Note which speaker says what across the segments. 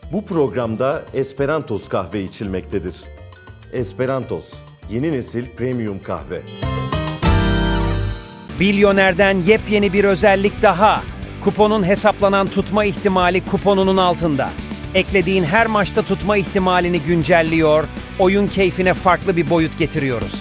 Speaker 1: Bu programda Esperantos kahve içilmektedir. Esperantos, yeni nesil premium kahve.
Speaker 2: Bilyoner'den yepyeni bir özellik daha. Kuponun hesaplanan tutma ihtimali kuponunun altında. Eklediğin her maçta tutma ihtimalini güncelliyor, oyun keyfine farklı bir boyut getiriyoruz.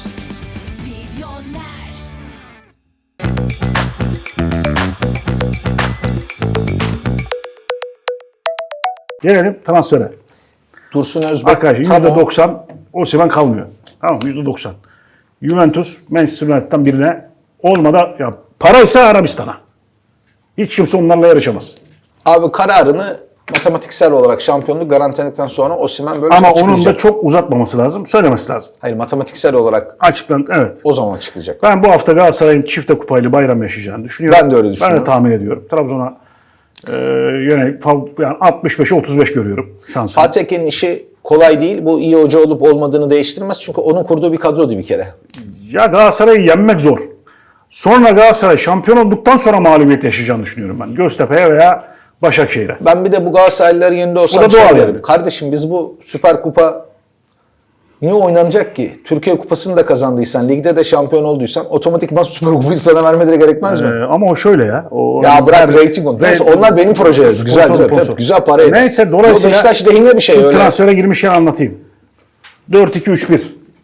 Speaker 3: Gelelim transfere.
Speaker 4: Dursun Özbek.
Speaker 3: Arkadaşlar %90 Osimhen kalmıyor. Tamam mı? %90. Juventus, Manchester United'dan birine olmadı. Ya paraysa Arabistan'a. Hiç kimse onlarla yarışamaz.
Speaker 4: Abi kararını matematiksel olarak şampiyonluk garantiledikten sonra Osimhen böyle
Speaker 3: Ama
Speaker 4: açıklayacak.
Speaker 3: onun da çok uzatmaması lazım. Söylemesi lazım.
Speaker 4: Hayır, matematiksel olarak
Speaker 3: Açıklandı. Evet.
Speaker 4: o zaman açıklayacak.
Speaker 3: Ben bu hafta Galatasaray'ın çifte kupayla bayram yaşayacağını düşünüyorum.
Speaker 4: Ben de öyle düşünüyorum.
Speaker 3: Ben de tahmin ediyorum. Trabzon'a yönelik yani 65'e 35 görüyorum şansını.
Speaker 4: Fatih Teke'nin işi kolay değil. Bu iyi hoca olup olmadığını değiştirmez. Çünkü onun kurduğu bir kadrodu bir kere.
Speaker 3: Ya Galatasaray'ı yenmek zor. Sonra Galatasaray şampiyon olduktan sonra mağlubiyet yaşayacağını düşünüyorum ben. Göztepe'ye veya Başakşehir'e.
Speaker 4: Ben bir de bu Galatasaraylıların yerinde
Speaker 3: O
Speaker 4: olsam
Speaker 3: da doğal
Speaker 4: derim.
Speaker 3: yani.
Speaker 4: Kardeşim biz bu Süper Kupa niye oynanacak ki? Türkiye Kupası'nı da kazandıysan, ligde de şampiyon olduysan otomatikman Süper Kupayı sana vermeleri gerekmez mi?
Speaker 3: Ama o şöyle ya.
Speaker 4: Ya bırak rating onu. Neyse onlar benim projeler. Güzel,
Speaker 3: sponsor.
Speaker 4: güzel para eder.
Speaker 3: Neyse dolayısıyla
Speaker 4: Bu Beşiktaş lehine bir şey öyle.
Speaker 3: transfere girmişken anlatayım. 4-2-3-1.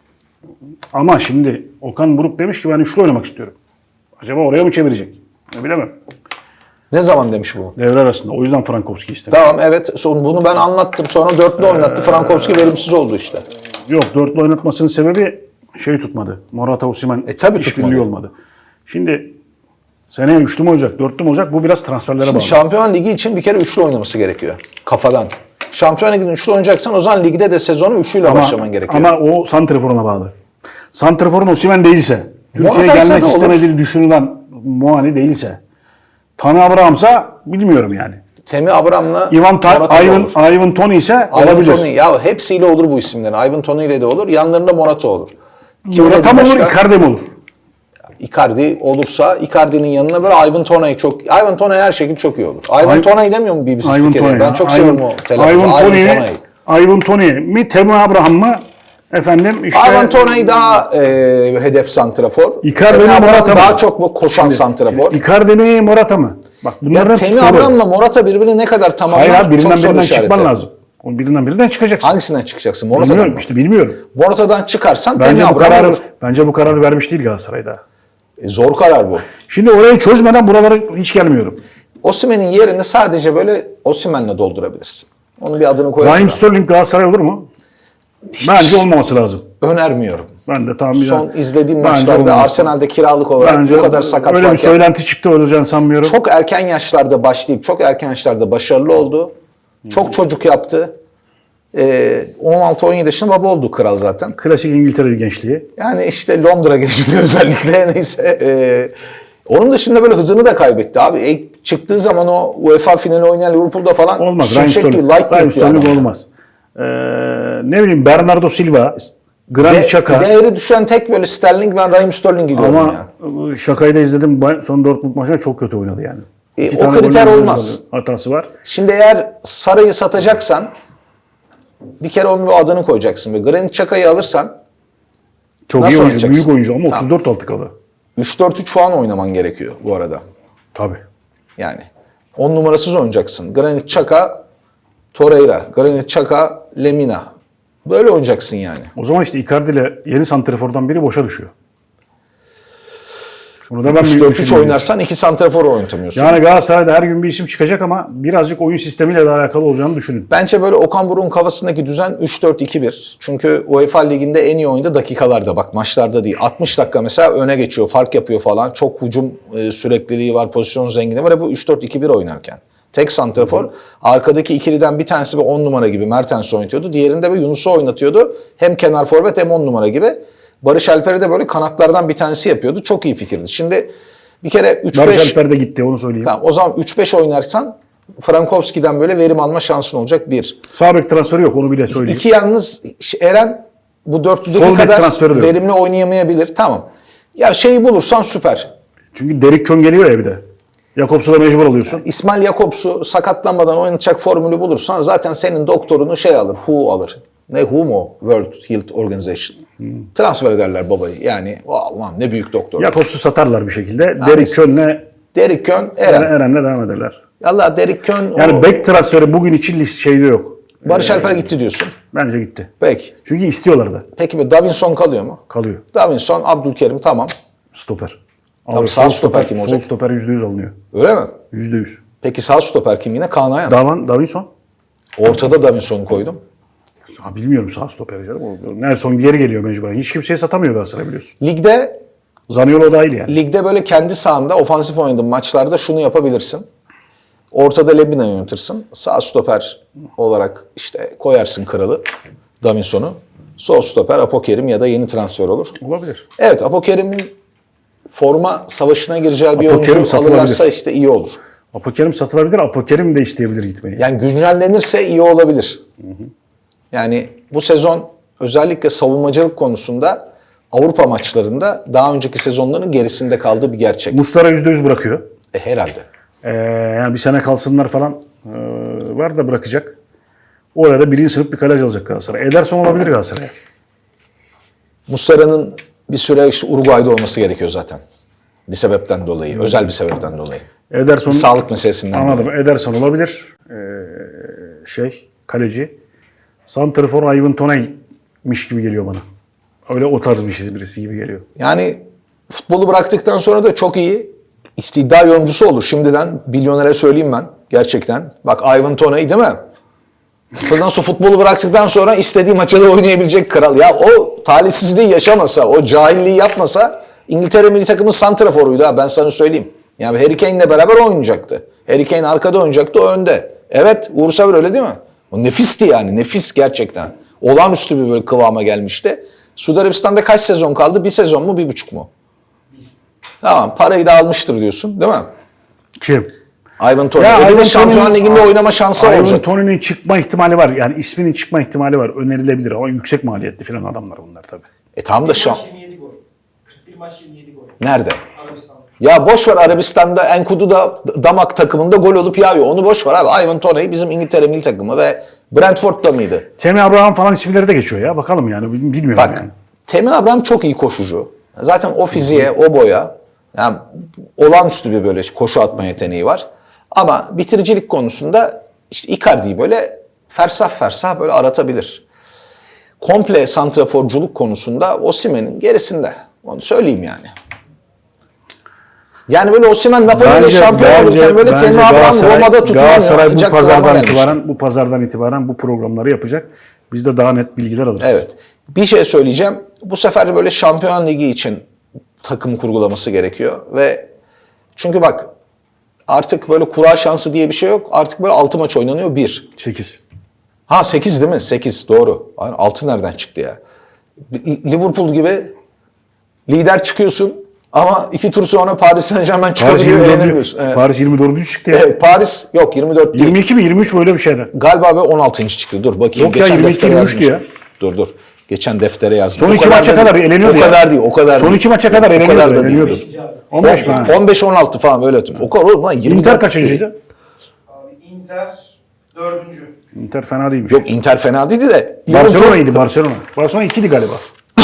Speaker 3: Ama şimdi Okan Buruk demiş ki ben üçlü oynamak istiyorum. Acaba oraya mı çevirecek? Bilemem.
Speaker 4: Ne zaman demiş bu?
Speaker 3: Devre arasında. O yüzden Frankowski istemiş.
Speaker 4: Tamam evet. Bunu ben anlattım. Sonra dörtlü oynattı. Frankowski verimsiz oldu işte.
Speaker 3: Yok, dörtlü oynatmasının sebebi tutmadı. Morata Osimhen
Speaker 4: Tabii
Speaker 3: işbirliği
Speaker 4: tutmadı.
Speaker 3: olmadı. Şimdi seneye üçlü mü olacak, dörtlü mü olacak? Bu biraz transferlere bağlı.
Speaker 4: Şampiyon Ligi için bir kere üçlü oynaması gerekiyor. Kafadan. Şampiyon Ligi'nin üçlü oynayacaksan o zaman ligde de sezonu üçlüyle başlaman gerekiyor.
Speaker 3: Ama o santraforuna bağlı. Santraforun Osimhen değilse, Türkiye'ye
Speaker 4: Morata'ysa
Speaker 3: gelmek
Speaker 4: da olur.
Speaker 3: istemediği düşünülen Muani değilse, Tanı Abraham'sa bilmiyorum yani.
Speaker 4: Temi Abraham'la
Speaker 3: Ivan Toney ise
Speaker 4: Ivan
Speaker 3: olabilir.
Speaker 4: Toney. Ya hepsiyle olur bu isimlerin. Ivan Toney ile de olur. Yanlarında Morata olur.
Speaker 3: Morata mı olur, Icardi mi olur?
Speaker 4: Icardi olursa Icardi'nin yanına böyle Ivan Toney çok... Ivan Toney her şekilde çok iyi olur. Ivan Toney demiyor mu BBC spikeri? Ben çok seviyorum o telefonu.
Speaker 3: Ivan Toney mi, Temi Abraham mı? Efendim işte...
Speaker 4: Ivan Toney daha hedef santrafor.
Speaker 3: Icardi mi,
Speaker 4: Temi Abraham
Speaker 3: Morata mı?
Speaker 4: daha çok bu koşan santrafor.
Speaker 3: Icardi mi, Morata mı? Bak bunların
Speaker 4: Ya
Speaker 3: hepsi
Speaker 4: Temi
Speaker 3: soru.
Speaker 4: Abraham'la Morata birbirini ne kadar tamamlar
Speaker 3: Hayır abi,
Speaker 4: çok soru
Speaker 3: birinden
Speaker 4: işareti.
Speaker 3: çıkman lazım. O birinden çıkacaksın.
Speaker 4: Hangisinden çıkacaksın? Morata'dan
Speaker 3: Bilmiyorum
Speaker 4: mı?
Speaker 3: işte, bilmiyorum.
Speaker 4: Morata'dan çıkarsan
Speaker 3: Bence
Speaker 4: Temi
Speaker 3: bu
Speaker 4: Abraham
Speaker 3: kararı
Speaker 4: olur.
Speaker 3: bence bu kararı vermiş değil Galatasaray'da.
Speaker 4: Zor karar bu.
Speaker 3: Şimdi orayı çözmeden buralara hiç gelmiyorum.
Speaker 4: Osimhen'in yerini sadece böyle Osimhen'le doldurabilirsin. Onun bir adını koyalım.
Speaker 3: Raheem Sterling Galatasaray olur mu? Bence olmaması lazım.
Speaker 4: Önermiyorum.
Speaker 3: Ben de tahmin
Speaker 4: Son izlediğim
Speaker 3: Bence
Speaker 4: maçlarda
Speaker 3: olmaması.
Speaker 4: Arsenal'de kiralık olarak
Speaker 3: Bence
Speaker 4: bu kadar sakat
Speaker 3: öyle bir
Speaker 4: varken
Speaker 3: söylenti çıktı, olacağını sanmıyorum.
Speaker 4: çok erken yaşlarda başlayıp çok erken yaşlarda başarılı oldu. Çok çocuk yaptı. 16-17 yaşında baba oldu kral zaten.
Speaker 3: Klasik İngiltere gençliği.
Speaker 4: Yani işte Londra geçti özellikle neyse. Onun dışında böyle hızını da kaybetti abi. Çıktığı zaman o UEFA finali oynayan Liverpool'da falan
Speaker 3: Olmaz. Raheem
Speaker 4: şimşek gibi
Speaker 3: Sterling
Speaker 4: yani.
Speaker 3: olmaz. Ne bileyim, Bernardo Silva, Granit Xhaka.
Speaker 4: Değeri düşen tek böyle Sterling, ben Raheem Sterling'i gördüm
Speaker 3: Ama
Speaker 4: ya.
Speaker 3: Şakayı da izledim. Son Dortmund maçında çok kötü oynadı yani. İki
Speaker 4: O
Speaker 3: tane
Speaker 4: kriter
Speaker 3: golün
Speaker 4: olmaz.
Speaker 3: hatası var.
Speaker 4: Şimdi eğer Saray'ı satacaksan bir kere onun bir adını koyacaksın. Ve Granit Xhaka'yı alırsan
Speaker 3: Çok
Speaker 4: nasıl
Speaker 3: iyi oyuncu,
Speaker 4: oynayacaksın?
Speaker 3: büyük oyuncu ama
Speaker 4: Tamam.
Speaker 3: 34 altı kalı.
Speaker 4: 3-4-3 falan oynaman gerekiyor bu arada.
Speaker 3: Tabii.
Speaker 4: Yani 10 numarasız oynayacaksın. Granit Xhaka, Torreira, Granit Xhaka, Lemina. Böyle oynayacaksın yani.
Speaker 3: O zaman işte Icardi ile yeni santrafordan biri boşa düşüyor. Burada ben
Speaker 4: 3-4-3 oynarsan 2 santrafor oynatamıyorsun.
Speaker 3: Yani Galatasaray'da her gün bir isim çıkacak ama birazcık oyun sistemiyle de alakalı olacağını düşünün.
Speaker 4: Bence böyle Okan Buruk'un kafasındaki düzen 3-4-2-1. Çünkü UEFA Ligi'nde en iyi oyunda dakikalarda, bak maçlarda değil. 60 dakika mesela öne geçiyor, fark yapıyor falan. Çok hücum sürekliliği var, pozisyon zenginliği var. Bu 3-4-2-1 oynarken. Tek santrafor. Arkadaki ikiliden bir tanesi bir 10 numara gibi Mertens oynatıyordu. Diğerinde bir Yunus'u oynatıyordu. Hem kenar forvet hem 10 numara gibi. Barış Alper'i de böyle kanatlardan bir tanesi yapıyordu. Çok iyi fikirdi. Şimdi bir kere 3-5...
Speaker 3: Barış Alper de gitti, onu söyleyeyim.
Speaker 4: Tamam, o zaman 3-5 oynarsan Frankowski'den böyle verim alma şansın olacak bir.
Speaker 3: Sağ bek transferi yok, onu bile söyleyeyim.
Speaker 4: İki, yalnız Eren bu
Speaker 3: Sol
Speaker 4: dörtlüdeki
Speaker 3: bek
Speaker 4: kadar
Speaker 3: transferi de yok.
Speaker 4: verimli oynayamayabilir. Tamam. Ya şeyi bulursan süper.
Speaker 3: Çünkü Derrick Kön geliyor ya bir de. Jakobs'u da mecbur alıyorsun.
Speaker 4: İsmail Jakobs'u sakatlanmadan oynatacak formülü bulursan zaten senin doktorunu şey alır, WHO alır. Ne WHO mu? World Health Organization. Transfer ederler babayı. Yani aman ne büyük doktor.
Speaker 3: Jakobs'u satarlar bir şekilde. Derrick Köhn'le
Speaker 4: Derrick Köhn, Eren.
Speaker 3: Eren'le devam ederler.
Speaker 4: Allah Derrick Köhn,
Speaker 3: Yani bek transferi bugün için şeyde yok.
Speaker 4: Barış Alper gitti diyorsun.
Speaker 3: Bence gitti.
Speaker 4: Peki.
Speaker 3: Çünkü istiyorlar da.
Speaker 4: Peki bir Davinson kalıyor mu?
Speaker 3: Kalıyor.
Speaker 4: Davinson, Abdülkerim tamam.
Speaker 3: Stoper.
Speaker 4: Tamam, sağ stoper kim olacak?
Speaker 3: Sol stoper %100 alınıyor.
Speaker 4: Öyle mi?
Speaker 3: %100.
Speaker 4: Peki sağ stoper kim yine? Kaan Ayhan.
Speaker 3: Davinson?
Speaker 4: Ortada Davinson'u koydum.
Speaker 3: Bilmiyorum sağ stoperi canım. Nelson geri geliyor mecburen. Hiç kimseye satamıyor Galatasaray biliyorsun.
Speaker 4: Ligde
Speaker 3: dahil yani.
Speaker 4: böyle kendi sahanda ofansif oynadığın maçlarda şunu yapabilirsin. Ortada Lebina yönetirsin. Sağ stoper olarak işte koyarsın kralı Davinson'u. Sol stoper Apokerim ya da yeni transfer olur.
Speaker 3: Olabilir.
Speaker 4: Evet, Apokerim'in forma savaşına gireceği bir
Speaker 3: Apokerim
Speaker 4: oyuncu
Speaker 3: satılabilir.
Speaker 4: alırlarsa işte iyi olur.
Speaker 3: Apokerim satılabilir. Apokerim de isteyebilir gitmeyi.
Speaker 4: Yani güncellenirse iyi olabilir. Yani bu sezon özellikle savunmacılık konusunda Avrupa maçlarında daha önceki sezonların gerisinde kaldığı bir gerçek.
Speaker 3: Muslera %100 bırakıyor.
Speaker 4: Herhalde.
Speaker 3: Yani bir sene kalsınlar falan var da bırakacak. Oraya da birinci sınıf bir kaleci alacak Galatasaray. Ederson olabilir Galatasaray'a.
Speaker 4: Muslera'nın bir süre işte Uruguay'da olması gerekiyor zaten. Bir sebepten dolayı, özel bir sebepten dolayı.
Speaker 3: Ederson,
Speaker 4: Sağlık meselesinden
Speaker 3: anladım.
Speaker 4: dolayı.
Speaker 3: Ederson olabilir. Kaleci. Santrafor Ivan Toney'miş gibi geliyor bana. Öyle o tarz birisi gibi geliyor.
Speaker 4: Yani futbolu bıraktıktan sonra da çok iyi işte iddia yorumcusu olur. Şimdiden milyonere söyleyeyim ben gerçekten. Bak Ivan Toney değil mi? Ondan sonra futbolu bıraktıktan sonra istediği maçta da oynayabilecek kral. Ya o talihsizliği yaşamasa, o cahilliği yapmasa İngiltere milli takımın santraforuydu ha ben sana söyleyeyim. Yani Harry Kane'le beraber oynayacaktı. Harry Kane arkada oynayacaktı, o önde. Evet, Uğur Saver öyle değil mi? O nefisti yani, nefis gerçekten. Olağanüstü bir böyle kıvama gelmişti. Suudi Arabistan'da kaç sezon kaldı? 1 sezon mu, 1,5 mu? Tamam, parayı da almıştır diyorsun değil mi?
Speaker 3: Kim?
Speaker 4: Ivan Toney. Bir de Şampiyon Ligi'nde oynama şansı olacak.
Speaker 3: Ivan Toney'nin çıkma ihtimali var. Yani isminin çıkma ihtimali var. Önerilebilir ama yüksek maliyetli falan adamlar bunlar tabii.
Speaker 4: Tamam da
Speaker 5: 27 gol. 41 maç 27 gol.
Speaker 4: Nerede?
Speaker 5: Arabistan'da.
Speaker 4: Ya boş ver, Arabistan'da Enkudu'da damak takımında gol olup yağıyor. Onu boş ver abi. Ivan Toney bizim İngiltere milli takımı ve Brentford'da mıydı?
Speaker 3: Temi Abraham falan isimleri de geçiyor ya. Bakalım yani. Bilmiyorum
Speaker 4: Bak,
Speaker 3: yani.
Speaker 4: Temin Abraham çok iyi koşucu. Zaten o fiziğe, o boya yani olağanüstü bir böyle koşu atma yeteneği var. Ama bitiricilik konusunda işte Icardi'yi böyle fersah fersah böyle aratabilir. Komple santraforculuk konusunda Osimhen'in gerisinde. Onu söyleyeyim yani. Yani böyle Osimhen Napoli'yle şampiyon olurken böyle Temin Abraham Roma'da tutulamıyor.
Speaker 3: Galatasaray
Speaker 4: Ancak
Speaker 3: bu pazardan itibaren bu programları yapacak. Biz de daha net bilgiler alırız.
Speaker 4: Evet. Bir şey söyleyeceğim. Bu sefer böyle Şampiyon Ligi için takım kurgulaması gerekiyor ve çünkü bak artık böyle kura şansı diye bir şey yok. Artık böyle 6 maç oynanıyor 1.
Speaker 3: 8.
Speaker 4: Ha 8 değil mi? 8 doğru. 6 nereden çıktı ya? Liverpool gibi lider çıkıyorsun ama 2 tur sonra Paris Saint-Germain çıkabiliyor, eğlenemiyorsun. Evet.
Speaker 3: Paris 24. çıktı ya.
Speaker 4: Evet, Paris yok 24 değil.
Speaker 3: 22 mi 23 böyle bir şeyler.
Speaker 4: Galiba ve 16. çıktı. Dur bakayım.
Speaker 3: Yok ya,
Speaker 4: Geçen
Speaker 3: 22,
Speaker 4: deftere
Speaker 3: 23'tü
Speaker 4: yazmışım.
Speaker 3: ya.
Speaker 4: Dur. Geçen deftere yazdım.
Speaker 3: Son
Speaker 4: O
Speaker 3: 2
Speaker 4: kadar
Speaker 3: maça
Speaker 4: da
Speaker 3: kadar
Speaker 4: değil.
Speaker 3: eleniyordu
Speaker 4: O
Speaker 3: ya.
Speaker 4: kadar değil, o kadar
Speaker 3: Son
Speaker 4: değil.
Speaker 3: 2 maça kadar
Speaker 4: O kadar da
Speaker 3: eleniyordu.
Speaker 4: değil.
Speaker 3: 15 mi?
Speaker 4: 15-16 falan öyle atayım. O kadar oğlum lan 24.
Speaker 3: Inter kaçıncıydı?
Speaker 5: Abi Inter 4.
Speaker 3: Inter fena değilmiş.
Speaker 4: Yok Inter fena değildi de.
Speaker 3: Barcelona'ydı Barcelona. Barcelona 2'di galiba.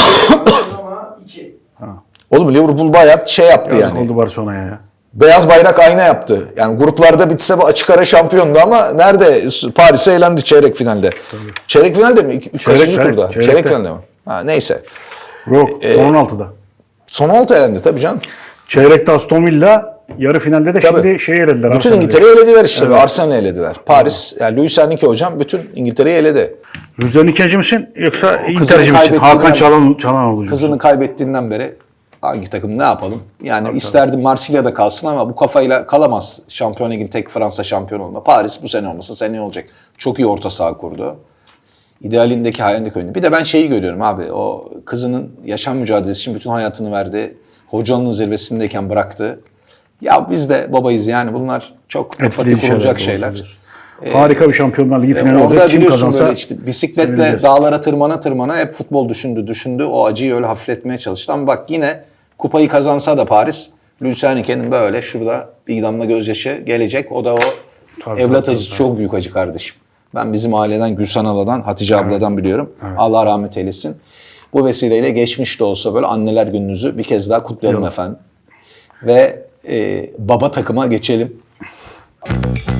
Speaker 5: Ama 2.
Speaker 4: Oğlum Liverpool bayağı şey yaptı
Speaker 3: Yazık
Speaker 4: yani.
Speaker 3: oldu Barcelona'ya ya.
Speaker 4: Beyaz bayrak ayna yaptı. Yani gruplarda bitse bu açık ara şampiyondu ama nerede? Paris'e eğlendi çeyrek finalde. Çeyrek finalde mi? 3. turda.
Speaker 3: çeyrekte.
Speaker 4: Çeyrek finalde mi? Ha, neyse.
Speaker 3: Yok son 16'da.
Speaker 4: Son 16 elendi tabii canım.
Speaker 3: Çeyrekte Aston Villa, yarı finalde de
Speaker 4: Tabii.
Speaker 3: şimdi elediler.
Speaker 4: Bütün
Speaker 3: Arsenal'i.
Speaker 4: İngiltere'yi elediler işte. Evet. Arsenal'i elediler. Paris, yani Luis Enrique hocam bütün İngiltere'yi eledi.
Speaker 3: Rüzgar'ın misin yoksa
Speaker 4: kızını
Speaker 3: Inter'ci misin?
Speaker 4: kaybettiğinden-
Speaker 3: Hakan Çalhanoğlu musun?
Speaker 4: Kızını kaybettiğinden beri hangi takım ne yapalım? Yani isterdim Marsilya'da kalsın ama bu kafayla kalamaz. Şampiyon Ligi'nin tek Fransa şampiyon olma. Paris bu sene olmasa seneye olacak. Çok iyi orta saha kurdu. İdealindeki hayalindeki oyunu. Bir de ben şeyi görüyorum abi. O kızının yaşam mücadelesi için bütün hayatını verdi. Hocalığının zirvesindeyken bıraktı. Ya biz de babayız yani bunlar çok empati kurulacak şeyler.
Speaker 3: Harika bir Şampiyonlar Ligi finali
Speaker 4: Orada
Speaker 3: olacak. Kim
Speaker 4: biliyorsun
Speaker 3: kazansa
Speaker 4: böyle işte bisikletle
Speaker 3: sevineceğiz.
Speaker 4: dağlara tırmana hep futbol düşündü. O acıyı öyle hafifletmeye çalıştı. Ama bak yine kupayı kazansa da Paris Lüçanike'nin böyle şurada bir damla gözyaşı gelecek. O da o
Speaker 3: Tabii,
Speaker 4: evlat
Speaker 3: tabii,
Speaker 4: acısı
Speaker 3: tabii.
Speaker 4: çok büyük acı kardeşim. Ben bizim aileden Gülsen Ala'dan, Hatice abladan biliyorum. Allah rahmet eylesin. Bu vesileyle geçmiş de olsa böyle anneler gününüzü bir kez daha kutlayalım efendim. Ve baba takıma geçelim.